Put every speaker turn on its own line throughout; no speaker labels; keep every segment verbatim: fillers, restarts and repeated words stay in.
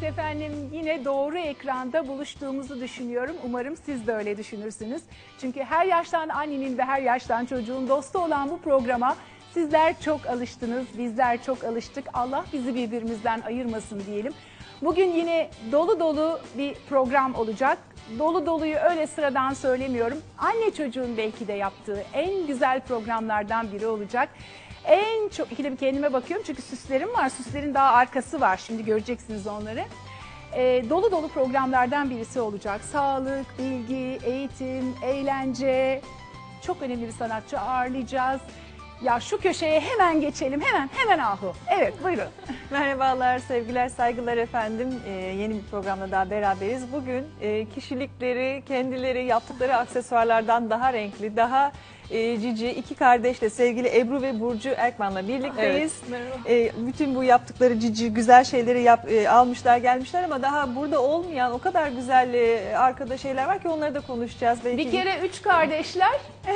Evet efendim, yine doğru ekranda buluştuğumuzu düşünüyorum. Umarım siz de öyle düşünürsünüz. Çünkü her yaştan annenin ve her yaştan çocuğun dostu olan bu programa sizler çok alıştınız, bizler çok alıştık. Allah bizi birbirimizden ayırmasın diyelim. Bugün yine dolu dolu bir program olacak. Dolu doluyu öyle sıradan söylemiyorum. Anne çocuğun belki de yaptığı en güzel programlardan biri olacak. En çok, ikide bir kendime bakıyorum çünkü süslerim var. Süslerin daha arkası var. Şimdi göreceksiniz onları. Ee, dolu dolu programlardan birisi olacak. Sağlık, bilgi, eğitim, eğlence. Çok önemli bir sanatçı ağırlayacağız. Ya şu köşeye hemen geçelim. Hemen, hemen Ahu. Evet, buyurun.
Merhabalar, sevgiler, saygılar efendim. Ee, yeni bir programda daha beraberiz. Bugün e, kişilikleri, kendileri, yaptıkları aksesuarlardan daha renkli, daha e, cici iki kardeşle sevgili Ebru ve Burcu Erkman'la birlikteyiz. Evet, e, bütün bu yaptıkları cici, güzel şeyleri yap, e, almışlar, gelmişler ama daha burada olmayan o kadar güzel e, arkada şeyler var ki onları da konuşacağız. Belki
bir kere üç kardeşler,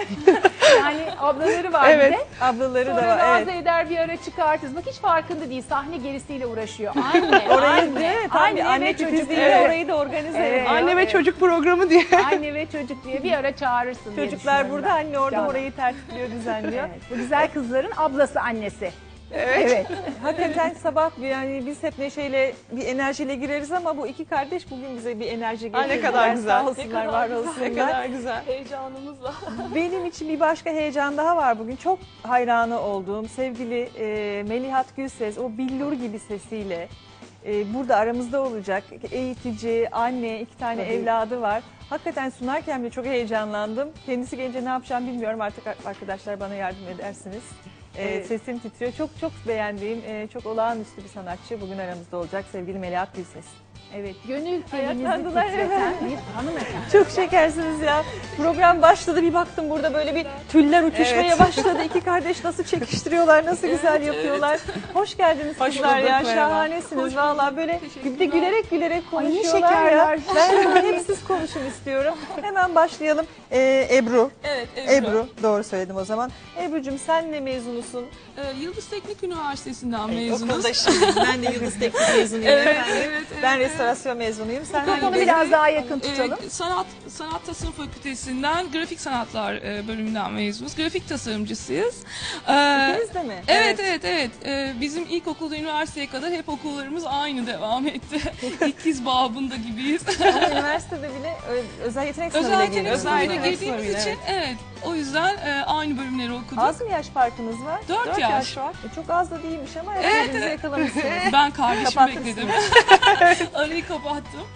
yani ablaları var
evet,
bir de.
Ablaları
Sonra
da var.
razı
Evet.
eder, bir ara çıkartırız. Bak hiç farkında değil, sahne gerisiyle uğraşıyor. Anne,
Orayı,
anne,
evet,
anne,
anne
ve çocuk.
titizliğiyle
Evet.
orayı da organize
Evet.
ediyor.
Anne ve
Evet.
çocuk programı diye.
Anne ve çocuk diye bir ara çağırırsın diye
Çocuklar
düşünüyorum
burada,
ben.
anne orada
Canan.
orayı tertipliyor, düzenliyor.
Evet, bu güzel kızların ablası annesi.
Evet.
Evet.
Hakikaten sabah yani biz hep neşeyle bir enerjiyle gireriz ama bu iki kardeş bugün bize bir enerji
Ay, ne
getirdiler.
kadar güzel.
Sağ olsunlar, var
Ne
olsunlar.
kadar güzel.
Heyecanımızla.
Benim için bir başka heyecan daha var bugün. Çok hayranı olduğum sevgili e, Melihat Gülses, o billur gibi sesiyle e, burada aramızda olacak. Eğitici, anne, iki tane
Tabii.
evladı var. Hakikaten sunarken bile çok heyecanlandım. Kendisi gelince ne yapacağım bilmiyorum. Artık arkadaşlar bana yardım edersiniz. Ee,
Evet.
Sesim titriyor. Çok çok beğendiğim, e, çok olağanüstü bir sanatçı bugün aramızda olacak sevgili Melihat Gülses.
Evet, gönül telinizi
Ayaklandılar,
titreten bir hanımefendi.
Çok şekersiniz ya. Program başladı, bir baktım burada böyle bir tüller uçuşmaya
Evet.
başladı. İki kardeş nasıl çekiştiriyorlar, nasıl güzel yapıyorlar. Hoş geldiniz
Hoş
kızlar
bulduk,
ya.
merhaba.
Şahanesiniz valla, böyle bir de gülerek gülerek
Ay, ne
konuşuyorlar
şekerler.
ya. Ben hep siz konuşun istiyorum. Hemen başlayalım. Ee, Ebru.
Evet, Ebru.
Ebru, doğru söyledim o zaman. Ebru'cum sen ne mezunusun?
Ee, Yıldız Teknik Üniversitesi'nden
Evet,
mezunuz.
okuldaşıyım. Ben de Yıldız Teknik mezunuyum
Evet,
efendim.
evet, evet,
Ben
evet.
restorasyon mezunuyum. Sen
Mikrofonu
hangi
biraz
bölüm?
daha yakın tutalım.
Ee, sanat Sanat Tasarım Fakültesinden Grafik Sanatlar e, bölümünden mezunuz. Grafik tasarımcısıyız. Ee,
İkiniz de mi?
Evet, evet, evet. Ee, bizim ilkokulda üniversiteye kadar hep okullarımız aynı devam etti. İkiz babında gibiyiz.
Ama üniversitede bile ö- özel yetenek sınavıyla
Özel yetenek
geliyoruz.
sınavıyla
Aynen.
girdiğimiz
Sınavıyla,
için evet. O yüzden e, aynı bölümleri okuduk.
Az mı yaş farkınız var?
Dört yaş.
var. E, çok az da değilmiş ama
Evet,
hepinizi
evet.
yakalamışsınız.
Ben kardeşimi
Kapattınız
bekledim. Arayı kapattım.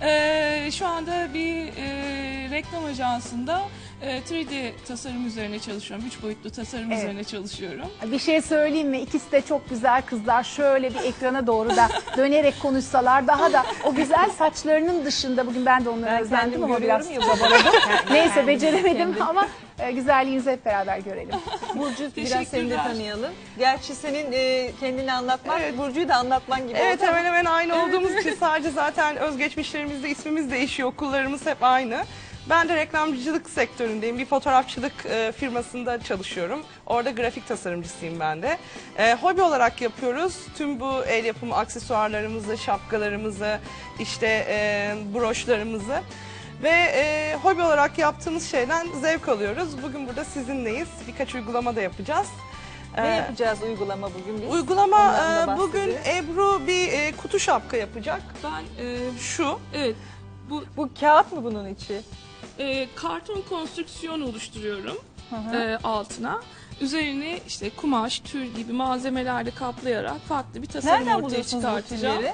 Ee, şu anda bir e, reklam ajansında e, üç D tasarım üzerine çalışıyorum. Üç boyutlu tasarım
Evet.
üzerine çalışıyorum.
Bir şey söyleyeyim mi? İkisi de çok güzel kızlar. Şöyle bir ekrana doğru da dönerek konuşsalar daha da o güzel saçlarının dışında, bugün ben de onları
Ben
özendim
kendim
ama biraz
görüyorum ya
çabaladım. Neyse
Kendim,
beceremedim
kendim.
ama e, güzelliğinizi hep beraber görelim.
Burcu, biraz seni de
Teşekkürler.
tanıyalım. Gerçi senin e, kendini anlatmak,
Evet.
Burcu'yu da anlatman gibi
Evet,
oldu ama
hemen hemen aynı olduğumuz için sadece zaten özgeçmişlerimizde ismimiz değişiyor. Okullarımız hep aynı. Ben de reklamcılık sektöründeyim. Bir fotoğrafçılık e, firmasında çalışıyorum. Orada grafik tasarımcısıyım ben de. E, hobi olarak yapıyoruz. Tüm bu el yapımı aksesuarlarımızı, şapkalarımızı, işte e, broşlarımızı. Ve e, hobi olarak yaptığımız şeyden zevk alıyoruz. Bugün burada sizinleyiz. Birkaç uygulama da yapacağız.
ne
E,
yapacağız uygulama bugün biz?
Uygulama
Ondan da
e, bugün
bahsedelim.
Ebru bir e, kutu şapka yapacak.
Ben e,
Şu.
evet bu
Bu kağıt mı bunun içi?
e, karton konstrüksiyon oluşturuyorum
Hı hı.
e, altına. Üzerine işte kumaş, tül gibi malzemelerle kaplayarak farklı bir tasarım
Nereden
ortaya
buluyorsunuz bu
çıkartacağım.
tülleri?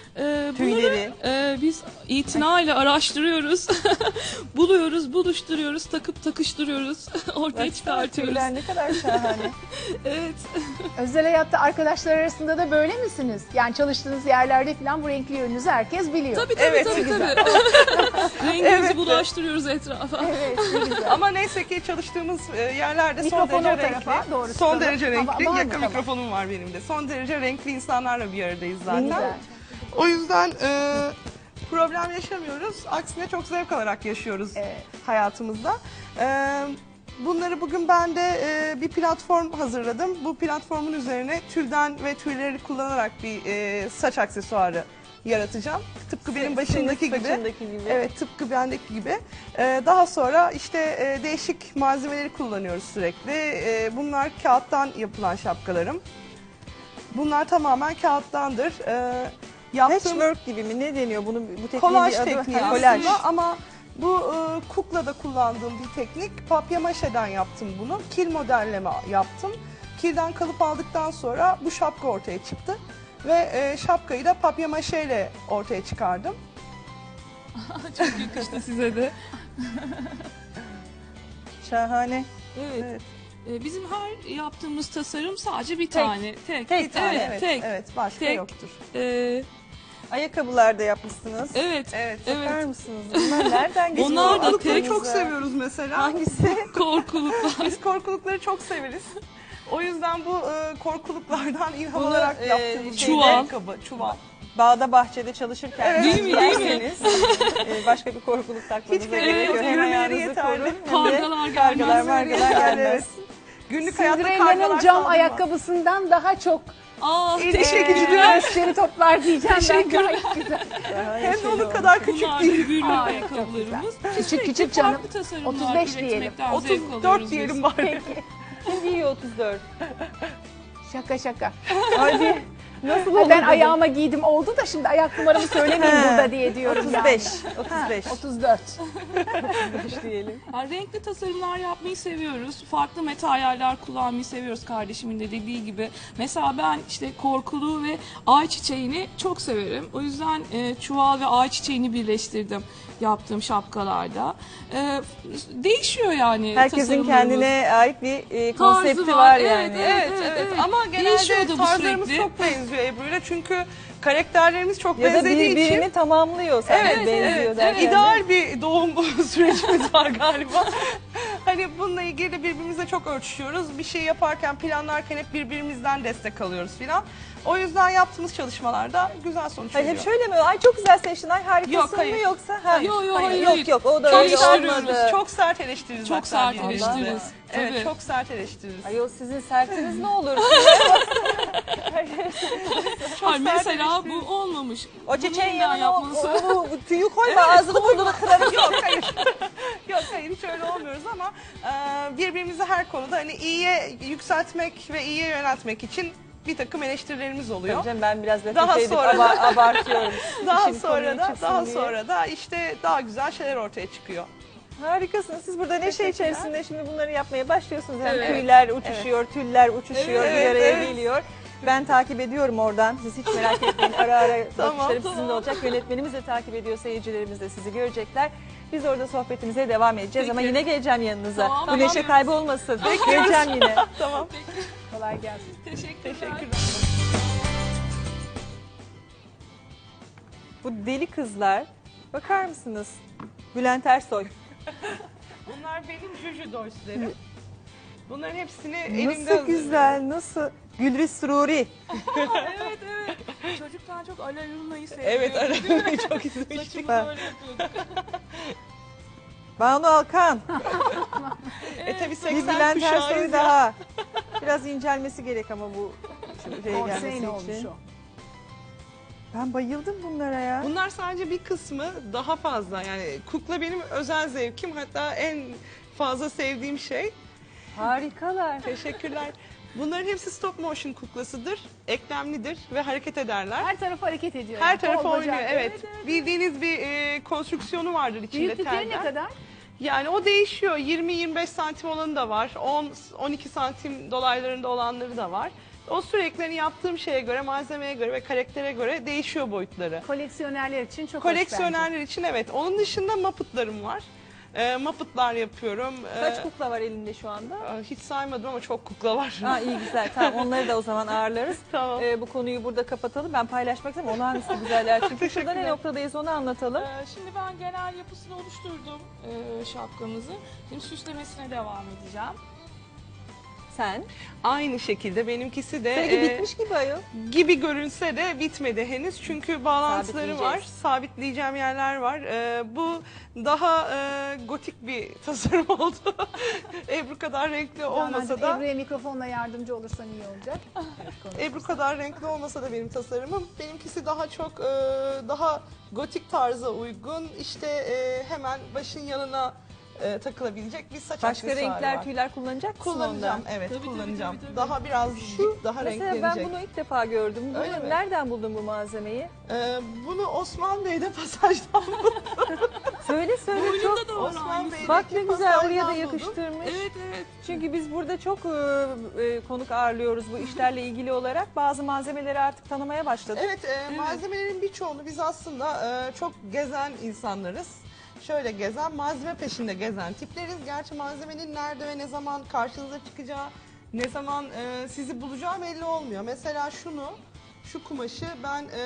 E,
Tüyleri.
bunları e, biz itinayla araştırıyoruz, buluyoruz, buluşturuyoruz, takıp takıştırıyoruz, ortaya
Baksana,
çıkartıyoruz.
tüyler ne kadar şahane.
Evet.
Özel hayatta arkadaşlar arasında da böyle misiniz? Yani çalıştığınız yerlerde falan bu renkli yönünüzü herkes biliyor.
Tabii tabii
Evet,
tabii.
güzel.
tabii. Rengimizi
Evet.
bulaştırıyoruz etrafa.
Evet, ne güzel.
Ama neyse ki çalıştığımız e, yerlerde son
Mikrofonu
derece
o tarafa
renkli.
doğru
Son
tutalım.
derece
Ama
renkli.
var mı?
Yakın
Tamam.
mikrofonum var benim de. Son derece renkli insanlarla bir aradayız
Ne
zaten.
güzel.
O yüzden e, problem yaşamıyoruz. Aksine çok zevk alarak yaşıyoruz
Evet.
hayatımızda. E, bunları bugün ben de e, bir platform hazırladım. Bu platformun üzerine tülden ve tüyleri kullanarak bir e, saç aksesuarı yaratacağım. Tıpkı benim
Senin
başımdaki gibi.
başındaki gibi.
Evet, tıpkı bendeki gibi. Ee, daha sonra işte e, değişik malzemeleri kullanıyoruz sürekli. Ee, bunlar kağıttan yapılan şapkalarım. Bunlar tamamen kağıttandır. Ee, yaptığım
Patchwork gibi mi? Ne deniyor? Bunu bu tekniğin
kolaj
bir adı var.
tekniği
Ha, kolaj.
aslında ama bu e, kuklada kullandığım bir teknik. Papyamaşeden yaptım bunu. Kil modelleme yaptım. Kilden kalıp aldıktan sonra bu şapka ortaya çıktı. Ve e, şapkayı da papyamaşeyle ortaya çıkardım.
Çok yakıştı size de.
Şahane.
Evet.
Evet.
Ee, Bizim her yaptığımız tasarım sadece bir tane. Tek.
Tek
Bir tane,
Evet,
evet,
tek.
evet, başka
Tek.
yoktur.
Ee,
Ayakkabılar da yapmışsınız.
evet.
Evet.
Bakar
Evet.
mısınız? Bunlar nereden geçiyor?
Onlar da
Korkulukları
tek.
çok seviyoruz mesela.
Hangisi?
Korkuluklar.
Biz korkulukları çok severiz. O yüzden bu e, korkuluklardan ilham
Bunu,
alarak
e,
yaptığımız
şeyde-
bir ayakkabı, çuval.
Bağda bahçede çalışırken
Evet.
Değil mi, değil mi?
giyerseniz, e, başka bir korkuluk takmanıza
Hiç
gerek
gerek
yok.
yok,
Hem
yürümeleri
ayağınızı
yeterli.
korun hem de
Kargalar
kargalar
gelmez.
margalar
Yani
gelmez.
evet. Günlük hayatta
Cinderella'nın
kargalar
cam
saldırmaz.
ayakkabısından daha çok
Aa,
İyi,
teşekkür
teşekkür
ederim.
ederim.
gösteri toplar diyeceğim ben.
Teşekkürler.
Gayet güzel.
Şahane
Hem de
şey
onun
olmuş.
kadar küçük
Bunlar da
değil.
büyük
Aa,
ayakkabılarımız.
Küçük
Sürekli
küçük canım.
farklı tasarımlar
otuz beş diyelim.
üretmekten zevk
otuz
alıyoruz
dört
biz.
diyelim bari.
Kim giyiyor otuz dört?
Şaka şaka.
Hadi. Nasıl
Ha,
olur?
ben
dedim.
ayağıma giydim oldu da şimdi ayak numaramı söylemeyeyim
He.
burada diye diyorum
otuz
yani.
beş.
Ha,
otuz beş.
otuz dört.
otuz beş diyelim.
Yani renkli tasarımlar yapmayı seviyoruz. Farklı materyaller kullanmayı seviyoruz kardeşimin de dediği gibi. Mesela ben işte korkulu ve ay çiçeğini çok severim. O yüzden e, çuval ve ay çiçeğini birleştirdim yaptığım şapkalarda. E, değişiyor yani
Herkesin
tasarımlarımız.
kendine ait bir e,
Tarzı
konsepti
var,
var,
evet,
yani.
Evet,
Evet,
evet.
evet.
Ama
Değişiyor
genelde
da bu
tarzlarımız
sürekli.
çok benziyor Ebru'yla. Çünkü karakterlerimiz çok
Ya da
benzediği
birbirini
için
tamamlıyor. Sanki
Evet,
benziyor
evet,
derken de.
ideal bir doğum sürecimiz var galiba. Hani bununla ilgili de birbirimizle çok ölçüşüyoruz. Bir şey yaparken, planlarken hep birbirimizden destek alıyoruz filan. O yüzden yaptığımız çalışmalarda güzel sonuç
Hayır,
veriyor.
hep şöyle mi? Ay çok güzel seçtin. Ay harikasın
Yok, hayır.
mı yoksa? Ha,
Yok, yok, hayır,
yok
hayır.
yok o da
Çok
öyle
eleştiriyoruz,
olmadı.
Çok sert eleştiririz.
Çok
hatta
sert
birbirimize.
eleştiririz.
Evet,
Tabii.
çok sert eleştiririz.
Ayol sizin sertiniz ne olur?
Hayır, mesela
eleştiririz.
bu olmamış.
O çiçeğin
Bunu
yanına o,
yapması.
onu tüyü koyma ağzını burnunu kırarım.
Yok hayır. Yok hayır hiç öyle olmuyoruz ama e, birbirimizi her konuda hani iyiye yükseltmek ve iyiye yöneltmek için bir takım eleştirilerimiz oluyor.
Hocam ben biraz laf
Daha
edip
sonra-
aba- abartıyorum.
Daha
İşin
sonra
konuya
da
çıksın
daha
diye.
sonra da işte daha güzel şeyler ortaya çıkıyor.
Harikasınız. Siz burada neşe
Teşekkürler.
içerisinde şimdi bunları yapmaya başlıyorsunuz. Hem
Evet.
tüyler uçuşuyor, tüller uçuşuyor,
Evet,
bir araya
evet.
geliyor. Ben takip ediyorum oradan. Siz hiç merak etmeyin. Ara ara
Tamam,
bakışlarım
tamam.
sizinle olacak. Yönetmenimiz de takip ediyor. Seyircilerimiz de sizi görecekler. Biz orada sohbetimize devam edeceğiz ama
Peki.
yine geleceğim yanınıza.
Tamam,
Bu
tamam.
neşe kaybı olmasın. Geleceğim yine.
Tamam.
Kolay gelsin.
Teşekkürler.
Teşekkürler.
Bu deli kızlar. Bakar mısınız? Bülent Ersoy.
Bunlar benim Juju Dorslerim. Bunların hepsini elimde
Nasıl güzel, nasıl? Gülriz Sururi.
Evet evet. Çocukken çok Alaruna'yı seviyordum.
Evet arabayı çok izlemiştik.
Saçımı
Ben-
böyle yapıyorduk.
Banu Alkan.
E tabi
Bir
seksen
Bülent
kuşağıyız
Ersoy
ya.
daha. Biraz incelmesi gerek ama bu şeye gelmesi
Korseyle olmuş
için.
o.
Ben bayıldım bunlara ya.
Bunlar sadece bir kısmı, daha fazla yani kukla benim özel zevkim, hatta en fazla sevdiğim şey.
Harikalar.
Teşekkürler. Bunların hepsi stop motion kuklasıdır, eklemlidir ve hareket ederler.
Her tarafı hareket ediyor.
Her
yani.
tarafı
Kol, bacak.
oynuyor, evet. Bildiğiniz bir e, konstrüksiyonu vardır içinde
Büyüklükleri ne
teller.
kadar?
Yani o değişiyor. yirmi yirmi beş santim olanı da var. on on iki santim dolaylarında olanları da var. O sürekli hani yaptığım şeye göre, malzemeye göre ve karaktere göre değişiyor boyutları.
Koleksiyonerler için çok hoş bence.
Koleksiyonerler için evet. Onun dışında Muppet'larım var. E, Muppet'lar yapıyorum. E,
Kaç kukla var elinde şu anda?
hiç saymadım ama çok kukla var.
Ha iyi güzel. Tamam onları da o zaman ağırlarız.
Tamam.
Ee, bu konuyu burada kapatalım. Ben paylaşmak istemiyorum. Onu hangisi güzeller çıktı. Şurada ne
Teşekkürler.
noktadayız onu anlatalım.
Ee, Şimdi ben genel yapısını oluşturdum e, şapkamızı. Şimdi süslemesine devam edeceğim.
sen.
Aynı şekilde benimkisi de
Seninki
e,
bitmiş gibi ayol.
gibi görünse de bitmedi henüz. Çünkü bağlantıları var.
Sabitleyeceğiz.
Sabitleyeceğim yerler var. E, bu daha e, gotik bir tasarım oldu. Ebru kadar renkli olmasa
Canancığım,
da
Ebru'ya mikrofonla yardımcı olursan iyi olacak.
Ebru kadar renkli olmasa da benim tasarımım. Benimkisi daha çok e, daha gotik tarza uygun. İşte e, hemen başın yanına e, takılabilecek bir saç
Başka
aksesuarı
renkler,
var.
tüyler kullanacak mısın
Kullanacağım,
onda?
evet
Tabii, tabii,
kullanacağım.
tabii, tabii.
Daha biraz Şu, daha
Mesela
renklenecek.
ben bunu ilk defa gördüm. Bunu
Öyle mi?
nereden buldun bu malzemeyi?
Ee, bunu Osman Bey'de pasajdan buldum.
Söyle söyle çok.
Boynunda da var
Osman
aynısı.
Bey'deki
Bak ne güzel oraya da
pasajdan
yakıştırmış.
Evet evet.
Çünkü biz burada çok e, e, konuk ağırlıyoruz bu işlerle ilgili olarak. Bazı malzemeleri artık tanımaya başladık.
Evet, e, malzemelerin birçoğunu biz aslında e, çok gezen insanlarız. Şöyle gezen, malzeme peşinde gezen tipleriz. Gerçi malzemenin nerede ve ne zaman karşınıza çıkacağı, ne zaman e, sizi bulacağı belli olmuyor. Mesela şunu, şu kumaşı ben e,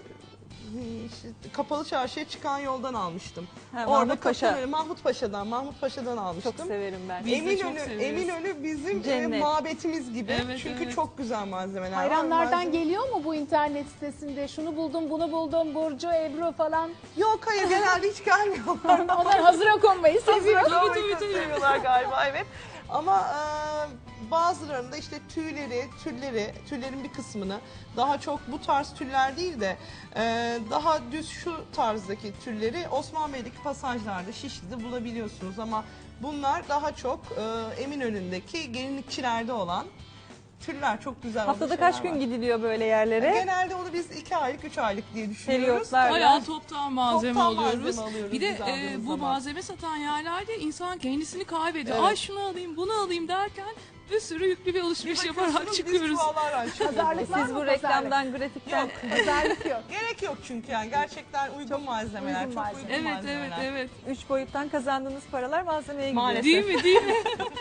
işte kapalı çarşıya çıkan yoldan almıştım.
Ha,
Orada
Mahmut Paşa.
Kapıları- Mahmut Paşa'dan, Mahmut Paşa'dan almıştım.
Çok severim ben.
Biz de çok
Eminönü,
severiz.
Eminönü bizim e,
Cennet.
mabetimiz gibi.
Evet,
Çünkü
evet.
çok güzel malzemeler var.
Hayranlardan
Malzeme-
geliyor mu bu internet sitesinde? Şunu buldum, bunu buldum, Burcu, Ebru falan.
Yok hayır, genelde hiç gelmiyorlar.
Onlar hazıra konmayı seviyor.
Tabii,
tabii,
tabii,
tabii.
seviyorlar galiba, evet. Ama e, bazılarında işte tüyleri, tülleri, tüllerin bir kısmını daha çok bu tarz tüller değil de e, daha düz şu tarzdaki tülleri Osman Bey'deki pasajlarda, Şişli'de bulabiliyorsunuz. Ama bunlar daha çok e, Eminönü'ndeki gelinlikçilerde olan tüller, çok güzel olan
Haftada
şeyler
kaç gün
var.
gidiliyor böyle yerlere?
Genelde onu biz iki aylık, üç aylık diye düşünüyoruz.
Periyotlar.
Bayağı toptan malzeme
Toptan
alıyoruz.
malzeme alıyoruz
Bir de
biz
e,
aldığımız
bu
zaman.
malzeme satan yerlerde insan kendisini kaybediyor.
Evet.
Ay şunu alayım, bunu alayım derken bir sürü yüklü bir alışveriş yaparak
Bakıyorsunuz, biz
çıkıyoruz.
çuvallarla çıkıyoruz.
Pazarlık var
Siz
mı?
bu reklamdan, grafikten
Yok.
Pazarlık yok.
Gerek yok çünkü yani gerçekten uygun malzemeler,
uygun
çok
malzeme.
uygun
Evet
malzemeler.
evet evet.
üç boyuttan kazandığınız paralar malzemeye gidiyor.
Maalesef.
Değil mi değil mi?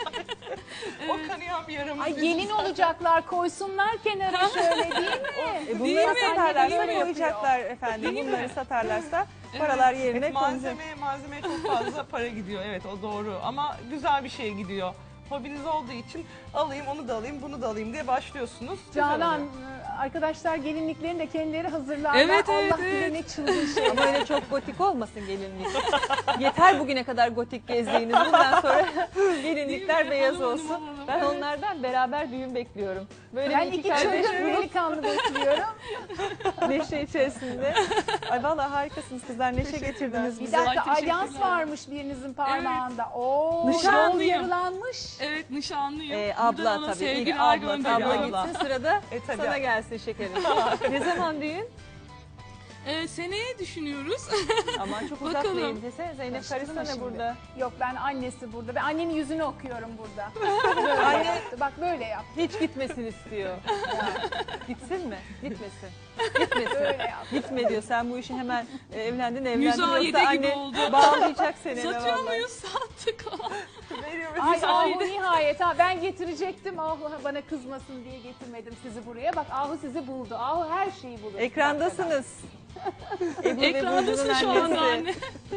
O kanayan bir yaramız.
Ay gelin olacaklar, koysunlar kenara şöyle değil mi?
E
Değil
bunları
mi?
satarlarsa
Değil mi?
koyacaklar efendim.
Değil mi?
Bunları satarlarsa paralar yerine
Evet,
konacak.
malzeme, malzemeye çok fazla para gidiyor, evet o doğru, ama güzel bir şeye gidiyor. Hobiniz olduğu için alayım, onu da alayım, bunu da alayım diye başlıyorsunuz. Güzel
Canan,
oluyor.
arkadaşlar gelinliklerini de kendileri hazırlarlar.
Evet, evet,
Allah
evet.
bilir ne çılgın şey.
Ama öyle çok gotik olmasın gelinlik. Yeter bugüne kadar gotik gezdiğiniz. Bundan sonra gelinlikler
Değil mi?
beyaz
Alalım,
olsun.
alalım.
Ben onlardan beraber düğün bekliyorum. Böyle
Ben
bir iki
iki
kardeş
çocuk
bulup
delikanlı bekliyorum.
neşe içerisinde. Ay vallahi harikasınız kızlar. Neşe getirdiniz
Bir
bize.
dakika,
Ay, teşekkürler.
alyans varmış birinizin parmağında. Oo, yol
Nişanlıyım.
yarılanmış.
Evet nişanlıyım.
Ee,
Buradan
abla
ona
tabii. İlk
sevgiler
abla,
gönderiyorum.
abla gitsin sırada
E, tabii.
sana gelsin şekerim. Ne zaman düğün?
Ee, seneye düşünüyoruz.
Aman çok uzak
Bakalım.
değil. Desene Zeynep
Karıştırma
karışsana
şimdi.
burada.
Yok, ben annesi burada. Ben annenin yüzünü okuyorum burada. Böyle
Anne-
yaptı. Bak böyle yap.
Hiç gitmesin istiyor. Gitsin mi? Gitmesin. Gitmesin.
Böyle yap.
Gitme diyor. Sen bu işi hemen e, evlendin evlendin.
Müzayede
Yoksa
gibi
anne
oldu.
bağlayacak seni.
Satıyor
vallahi.
muyuz? Sattık.
Veriyor,
Ay
veriyor.
Ahu nihayet ha, ben getirecektim. Ahu bana kızmasın diye getirmedim sizi buraya. Bak Ahu sizi buldu. Ahu her şeyi bulur.
Ekrandasınız. Ebru ve
Ekrandasın
Burcu'nun
şu anda
annesi.
anne.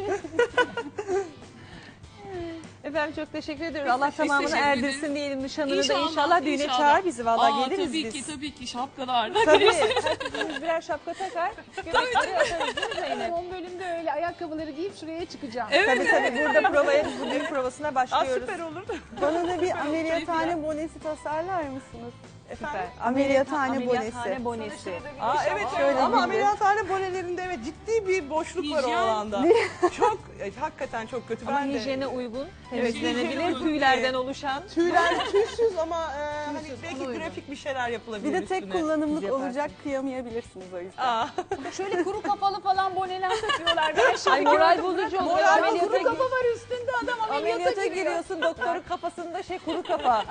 Efendim çok teşekkür ediyoruz. Allah tamamını
teşekkür
erdirsin
ederiz.
diyelim nişanını da
İnşallah,
inşallah düğüne
inşallah.
çağır bizi. Vallahi
Aa,
geliriz
tabii
biz.
ki tabii ki şapkalar.
Tabii. Herkesimiz birer şapka takar. Göbekleri atarız değil mi Zeynep?
Son bölümde öyle ayakkabıları giyip şuraya çıkacağım.
Tabii tabii burada provaya, bu düğün provasına
Aa,
başlıyoruz.
süper olur da.
Bana da bir ameliyathane bonesi tasarlar mısınız?
Süper.
Ameliyathane
Ameliyathane
bonesi.
bonesi.
Aa, evet,
Şöyle
ama
gibi.
ameliyathane bonelerinde evet ciddi bir boşluk var o
Hijyen.
alanda. Çok, e, hakikaten çok kötü.
Ama
Ben de-
hijyene uygun,
Evet, hijyene
temizlenebilir,
uygun
tüylerden
diye.
oluşan.
Tüyler tüysüz ama e, hani belki
uygun.
grafik bir şeyler yapılabilir
Bir de tek
üstüne.
kullanımlık
Siz yaparsınız.
olacak, kıyamayabilirsiniz o yüzden.
Aa,
Şöyle kuru kafalı falan boneler takıyorlar. Ben şimdi
Ay moral
gördüm.
bozucu oluyor.
Moral
Ameliyata
kuru
gir-
kafa var üstünde, adam ameliyata,
Ameliyata
giriyor.
giriyorsun doktorun kafasında şey kuru kafa.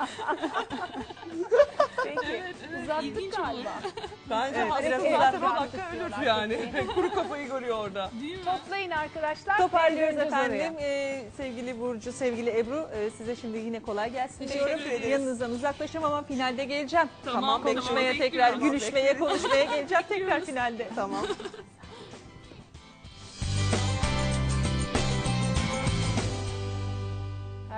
Peki
Evet, evet,
uzattık
ilginç
galiba.
olur.
bence
Evet,
hasta
biraz
zaten
uzatmak
o dakika ölür
istiyorlar.
yani. Kuru kafayı görüyor orada.
Değil mi?
Toplayın arkadaşlar.
Toparlıyoruz
döneceğiz
efendim.
oraya.
Ee, sevgili Burcu, sevgili Ebru e, size şimdi yine kolay gelsin
Teşekkür
diyorum.
ederiz.
Yanınızdan uzaklaşamam ama finalde geleceğim.
Tamam, tamam,
Konuşmaya tekrar,
bekliyorum.
gülüşmeye, konuşmaya geleceğim tekrar
Bekliyoruz.
finalde.
Tamam.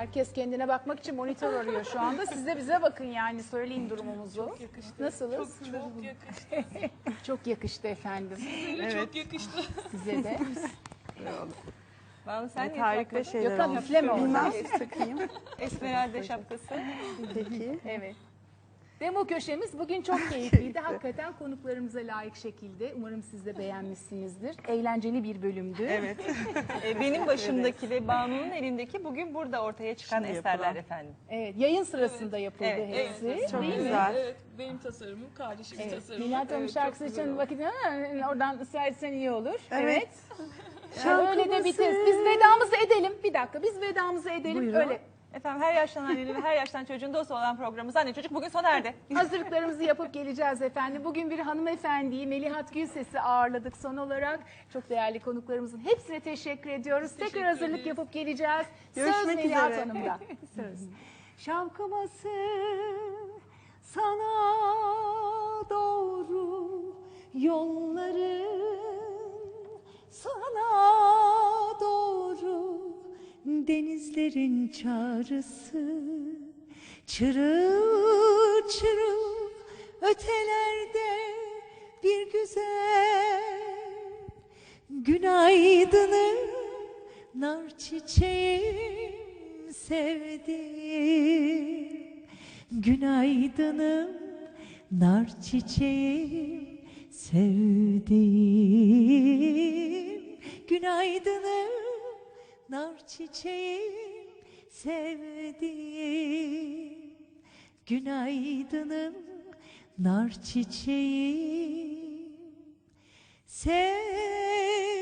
Herkes kendine bakmak için monitör arıyor şu anda. Siz de bize bakın yani söyleyin durumumuzu. Çok yakıştı. Nasılız?
Çok, çok yakıştı.
Çok yakıştı efendim.
Size çok yakıştı.
Size de.
Banu sen
Evet,
niye
harika
takmadın?
şeyler
Gökhan
olmuş.
üfleme oradan.
Bilmem, takayım.
Esmeralda şapkası.
Peki.
Evet. Demo köşemiz bugün çok keyifliydi. Hakikaten konuklarımıza layık şekilde. Umarım siz de beğenmişsinizdir. Eğlenceli bir bölümdü.
Evet.
E, benim başımdaki ve Banu'nun elindeki bugün burada ortaya çıkan
Şimdi
eserler
yapılan.
efendim.
Evet, yayın sırasında yapıldı
Evet,
hepsi.
Evet,
Çok
değil mi?
güzel.
Evet, benim tasarımım, kardeşimin
Evet.
tasarımı.
Melahat Hanım
Evet,
şarkısı
çok güzel
için
oldu.
vakit Ha, oradan ısrar etsen iyi olur.
Evet.
Yani öyle de biteriz. Biz vedamızı edelim. Bir dakika biz vedamızı edelim.
Buyurun.
Öyle
Efendim her yaştan annenin ve her yaştan çocuğun dostu olan programımız Anne Çocuk bugün sona erdi.
hazırlıklarımızı yapıp geleceğiz efendim. Bugün bir hanımefendiyi Melihat Gülses'i ağırladık son olarak. Çok değerli konuklarımızın hepsine teşekkür ediyoruz. Tekrar
teşekkür
hazırlık
ederiz.
yapıp geleceğiz. Söz
Görüşmek
Melihat
üzere.
Hanım'da.
Söz.
Şavkıması sana doğru yolların sana doğru denizlerin çağrısı çırıl çırıl ötelerde bir güzel günaydınım nar çiçeğim sevdim günaydınım nar çiçeğim sevdim günaydınım nar çiçeğim sevdim günaydınım nar çiçeğim sevdim